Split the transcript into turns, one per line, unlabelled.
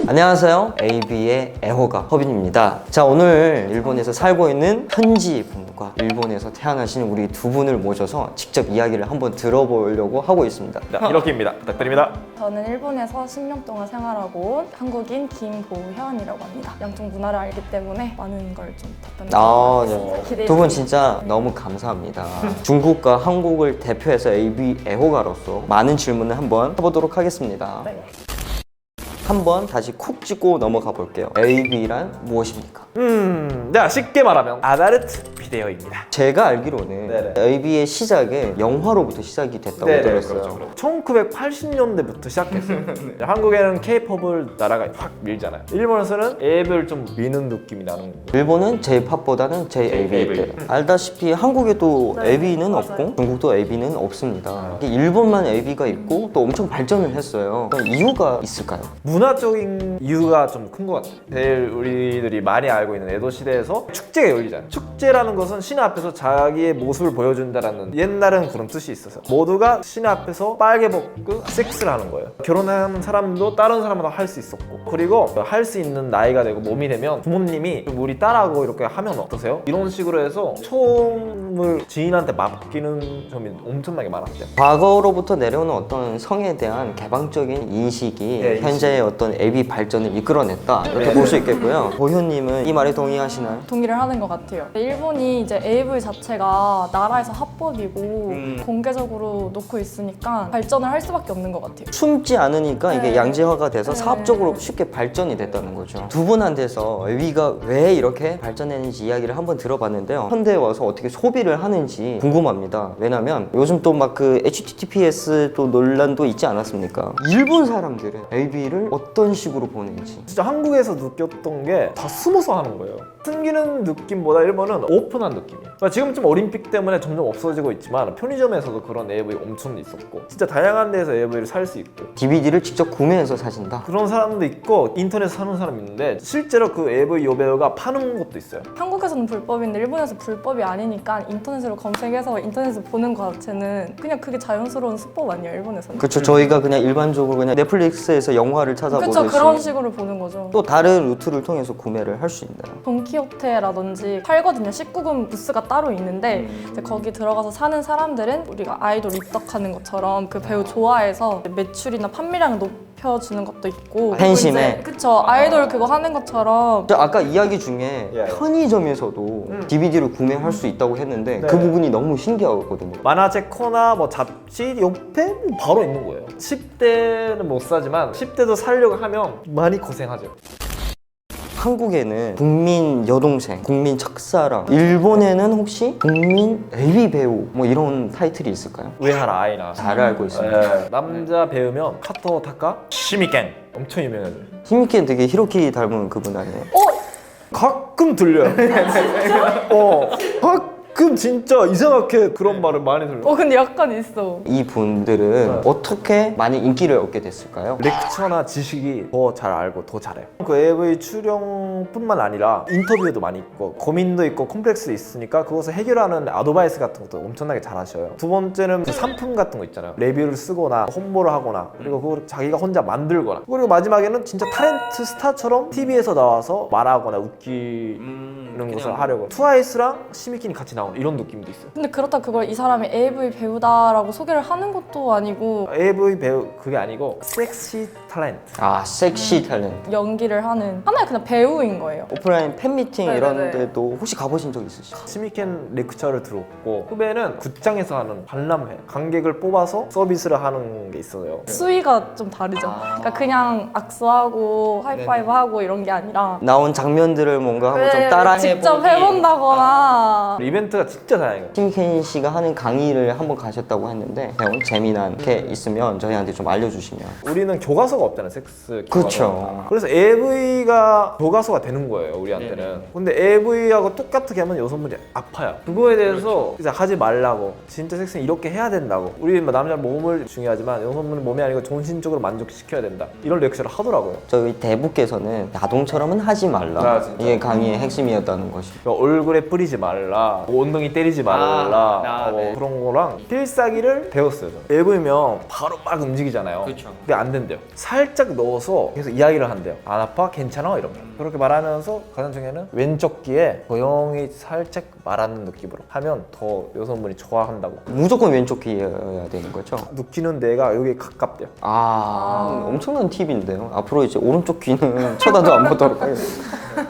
안녕하세요. AB의 애호가 허빈입니다. 자, 오늘 일본에서 살고 있는 현지 분과 일본에서 태어나신 우리 두 분을 모셔서 직접 이야기를 한번 들어보려고 하고 있습니다.
이렇게입니다. 부탁드립니다.
저는 일본에서 10년 동안 생활하고 온 한국인 김보현이라고 합니다. 양쪽 문화를 알기 때문에 많은 걸 좀 답변드리겠습니다.
두 분 진짜 너무 감사합니다. 중국과 한국을 대표해서 AB 애호가로서 많은 질문을 한번 해보도록 하겠습니다.
네.
한번 다시 콕 찍고 넘어가 볼게요. AB란 무엇입니까?
자, 쉽게 말하면 아다르트 비데오입니다.
제가 알기로는
네네.
AB의 시작에 영화로부터 시작이 됐다고 들었어요.
그렇죠. 1980년대부터 시작했어요. 한국에는 K-팝을 나라가 확 밀잖아요. 일본에서는 앱을 좀 미는 느낌이 나는 거고.
일본은 J-팝보다는 J-AB예요. 알다시피 한국에도
네,
AB는
맞아요.
없고 중국도 AB는 없습니다. 일본만 AB가 있고 또 엄청 발전을 했어요. 그럼 이유가 있을까요?
문화적인 이유가 좀 큰 것 같아요. 제일 우리들이 많이 알고 있는 에도 시대에서 축제가 열리잖아요. 축제라는 것은 신의 앞에서 자기의 모습을 보여준다라는 옛날엔 그런 뜻이 있어서 모두가 신의 앞에서 빨개 벗고 섹스를 하는 거예요. 결혼하는 사람도 다른 사람보다 할 수 있었고, 그리고 할 수 있는 나이가 되고 몸이 되면 부모님이 우리 딸하고 이렇게 하면 어떠세요? 이런 식으로 해서 처음을 지인한테 맡기는 점이 엄청나게 많았대요.
과거로부터 내려오는 어떤 성에 대한 개방적인 인식이
네,
현재의 어떤 AB 발전을 이끌어냈다 이렇게 볼 수 있겠고요. 보현님은 이 말에 동의하시나요?
동의를 하는 것 같아요. 일본이 이제 AV 자체가 나라에서 합법이고 공개적으로 놓고 있으니까 발전을 할 수밖에 없는 것 같아요.
숨지 않으니까 이게
네.
양질화가 돼서
네.
사업적으로 쉽게 발전이 됐다는 거죠. 두 분한테서 AB가 왜 이렇게 발전했는지 이야기를 한번 들어봤는데요. 현대에 와서 어떻게 소비를 하는지 궁금합니다. 왜냐면 요즘 또 막 그 HTTPS 또 논란도 있지 않았습니까? 일본 사람들은 AB를 어떤 식으로 보는지.
진짜 한국에서 느꼈던 게 다 숨어서 하는 거예요. 숨기는 느낌보다 일본은 오픈한 느낌이에요. 그러니까 지금 좀 올림픽 때문에 점점 없어지고 있지만 편의점에서도 그런 AV 엄청 있었고, 진짜 다양한 데서 AV를 살 수 있고,
DVD를 직접 구매해서 사신다.
그런 사람도 있고 인터넷 사는 사람 있는데 실제로 그 AV 여배우가 파는 것도 있어요.
한국에서는 불법인데 일본에서 불법이 아니니까 인터넷으로 검색해서 인터넷에서 보는 것 자체는 그냥 그게 자연스러운 수법 아니에요, 일본에서는.
그렇죠. 저희가 그냥 일반적으로 그냥 넷플릭스에서 영화를 찾아보듯이
그렇죠. 그런 식으로 보는 거죠.
또 다른 루트를 통해서 구매를 할 수 있나요?
돈키호테라든지 팔거든요. 19금 부스가 따로 있는데 이제 거기 들어가서 사는 사람들은 우리가 아이돌 입덕하는 것처럼 그 배우 좋아해서 매출이나 판매량을 높여주는 것도 있고,
팬심에.
그쵸. 아이돌 그거 하는 것처럼
저 아까 이야기 중에
예.
편의점에서도 DVD를 구매할 수 있다고 했는데 그 부분이 너무 신기하거든요.
만화책 코나 뭐 잡지 옆에 바로 있는 거예요. 10대는 못 사지만 10대도 사려고 하면 많이 고생하죠.
한국에는 국민 여동생, 국민 첫사랑, 일본에는 혹시 국민 AV 배우 뭐 이런 타이틀이 있을까요?
우에하라 아이나.
잘 알고 있습니다.
네. 남자 배우면 카토 타카, 시미켄 엄청 유명해요.
힘있게 되게 히로키 닮은 그분 아니에요?
가끔 들려요. 가끔 진짜 이상하게 그런 말을 많이 들려요.
근데 약간 있어.
이 분들은 어떻게 많이 인기를 얻게 됐을까요?
렉처나 지식이 더 잘 알고 더 잘해요. 그 AV 출연뿐만 아니라 인터뷰도 많이 있고 고민도 있고 컴플렉스도 있으니까 그것을 해결하는 아드바이스 같은 것도 엄청나게 잘하셔요. 두 번째는 그 상품 같은 거 있잖아요. 레뷰를 쓰거나 홍보를 하거나, 그리고 그걸 자기가 혼자 만들거나, 그리고 마지막에는 진짜 타렌트 스타처럼 TV에서 나와서 말하거나 웃기는 것을 하려고. 트와이스랑 시미킨이 같이 나오는 이런 느낌도 있어요.
근데 그렇다 그걸 이 사람이 AV 배우다라고 소개를 하는 것도 아니고
AV 배우 그게 아니고 섹시 탤런트.
아, 섹시 탤런트.
연기를 하는 하나의 그냥 배우인 거예요.
오프라인 팬미팅
네네네.
이런 데도 혹시 가보신 적 있으시죠?
시미켄 레크처를 들었고, 후배는 극장에서 하는 관람회, 관객을 뽑아서 서비스를 하는 게 있어요.
수위가 좀 다르죠. 그러니까 그냥 악수하고 하이파이브하고 이런 게 아니라
나온 장면들을 뭔가 한번 좀
네,
따라해보기.
직접 해본다거나.
이벤트가 진짜 다양해요.
심켄 씨가 하는 강의를 한번 가셨다고 했는데 배운 재미난 게 있으면 저희한테 좀 알려주시면.
우리는 교과서가 없잖아요, 섹스 교과서.
그쵸.
그래서 AV가 교과서가 되는 거예요, 우리한테는. 근데 AV하고 똑같게 하면 여성분이 아파요. 그거에 대해서 이제 하지 말라고, 진짜 섹스는 이렇게 해야 된다고, 우리 뭐 남자 몸을 중요하지만 여성분은 몸이 아니고 정신적으로 만족시켜야 된다, 이런 렉처를 하더라고요.
저희 대부께서는 야동처럼은 하지 말라.
아, 진짜?
이게 강의의 핵심이었다는 것이.
그러니까 얼굴에 뿌리지 말라, 옷 엉덩이 때리지 말라 그런 거랑 필사기를 배웠어요. 저는. 앱이면 바로 막 움직이잖아요.
그렇죠.
근데 안 된대요. 살짝 넣어서 계속 이야기를 한대요. 안 아파? 괜찮아? 이러면 그렇게 말하면서 가장 중요한 왼쪽 귀에 조용히 살짝 말하는 느낌으로 하면 더 여성분이 좋아한다고.
무조건 왼쪽 귀여야 되는 거죠?
느끼는 데가 여기 가깝대요.
엄청난 팁인데요. 앞으로 이제 오른쪽 귀는 쳐다도 안 보도록 하겠습니다.